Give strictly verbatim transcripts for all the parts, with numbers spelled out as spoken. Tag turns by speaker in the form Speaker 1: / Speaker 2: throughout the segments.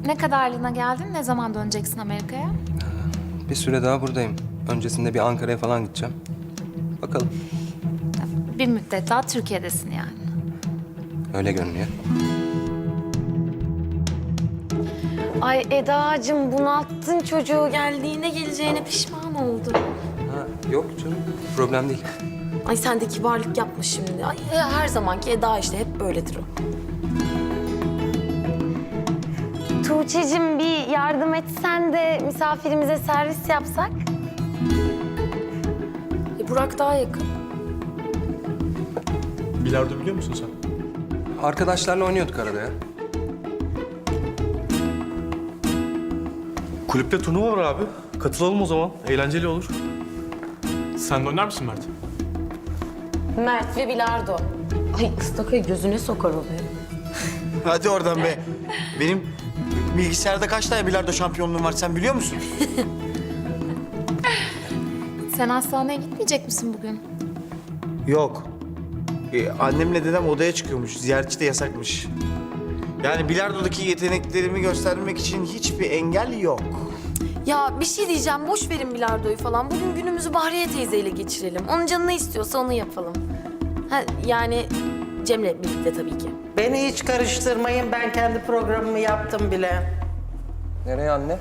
Speaker 1: Ne kadarlığına geldin? Ne zaman döneceksin Amerika'ya?
Speaker 2: Bir süre daha buradayım. Öncesinde bir Ankara'ya falan gideceğim. Bakalım.
Speaker 1: Bir müddet daha Türkiye'desin yani.
Speaker 2: Öyle görünüyor.
Speaker 3: Ay Eda'cığım bunalttın çocuğu, geldiğine geleceğine pişman oldu.
Speaker 2: Ha, yok canım. Problem değil.
Speaker 3: Ay sen de kibarlık yapma şimdi. Ay her zamanki Eda işte, hep böyledir o. Tuğçe'cim bir yardım etsen de misafirimize servis yapsak. E, Burak daha yakın.
Speaker 4: Bilardo biliyor musun sen?
Speaker 2: Arkadaşlarla oynuyorduk arada ya.
Speaker 4: Kulüpte turnuva var abi. Katılalım o zaman. Eğlenceli olur. Sen de oynar mısın Mert?
Speaker 3: Mert ve Bilardo. Ay ıstakayı gözüne sokar oluyor.
Speaker 5: Hadi oradan be. Benim bilgisayarda kaç tane bilardo şampiyonluğum var sen biliyor musun?
Speaker 1: Sen hastaneye gitmeyecek misin bugün?
Speaker 5: Yok. Ee, annemle dedem odaya çıkıyormuş. Ziyaretçi de yasakmış. Yani bilardodaki yeteneklerimi göstermek için hiçbir engel yok.
Speaker 3: Ya bir şey diyeceğim, boş verin bilardoyu falan. Bugün günümüzü Bahriye teyzeyle geçirelim. Onun canı ne istiyorsa onu yapalım. Ha, yani Cem'le birlikte tabii ki.
Speaker 6: Beni hiç karıştırmayın. Ben kendi programımı yaptım bile.
Speaker 2: Nereye anne?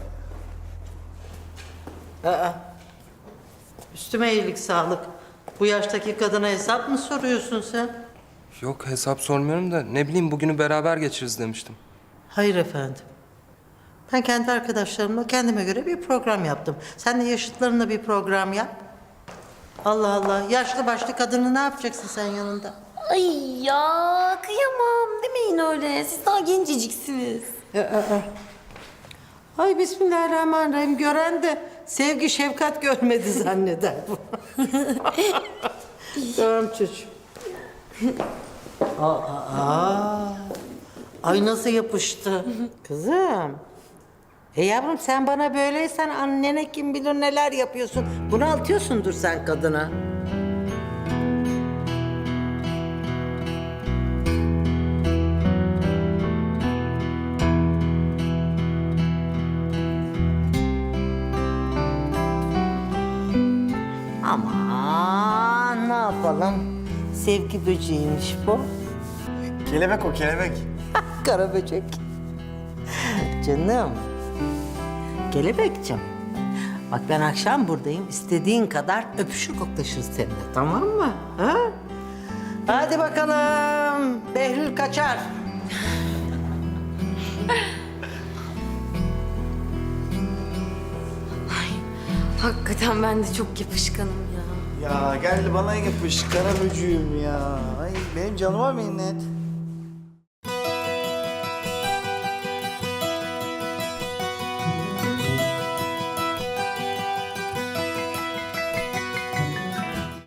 Speaker 6: Aa. Üstüme iyilik sağlık. Bu yaştaki kadına hesap mı soruyorsun sen?
Speaker 2: Yok hesap sormuyorum da ne bileyim bugünü beraber geçiririz demiştim.
Speaker 6: Hayır efendim. Ben kendi arkadaşlarımla kendime göre bir program yaptım. Sen de yaşıtlarınla bir program yap. Allah Allah. Yaşlı başlı kadını ne yapacaksın sen yanında?
Speaker 3: Ay ya kıyamam demeyin öyle. Siz daha genceciksiniz.
Speaker 6: Ay bismillahirrahmanirrahim. Gören de sevgi şefkat görmedi zanneder bu. Tamam çocuğum. Aa, aa. Ay nasıl yapıştı. Kızım. E yavrum sen bana böyleysen annene kim bilir neler yapıyorsun. Bunaltıyorsundur sen kadına. Aman ne yapalım? Sevgi böceğiymiş bu.
Speaker 5: Kelebek o kelebek.
Speaker 6: Kara böcek. Canım. Kelebekciğim. Bak ben akşam buradayım. İstediğin kadar öpüşür koklaşırız seninle. Tamam mı? Ha? Hadi bakalım. Behlül kaçar.
Speaker 3: Hakikaten ben de çok yapışkanım ya.
Speaker 5: Ya gel bana yapış kara böcüğüm ya. Ay benim canıma minnet.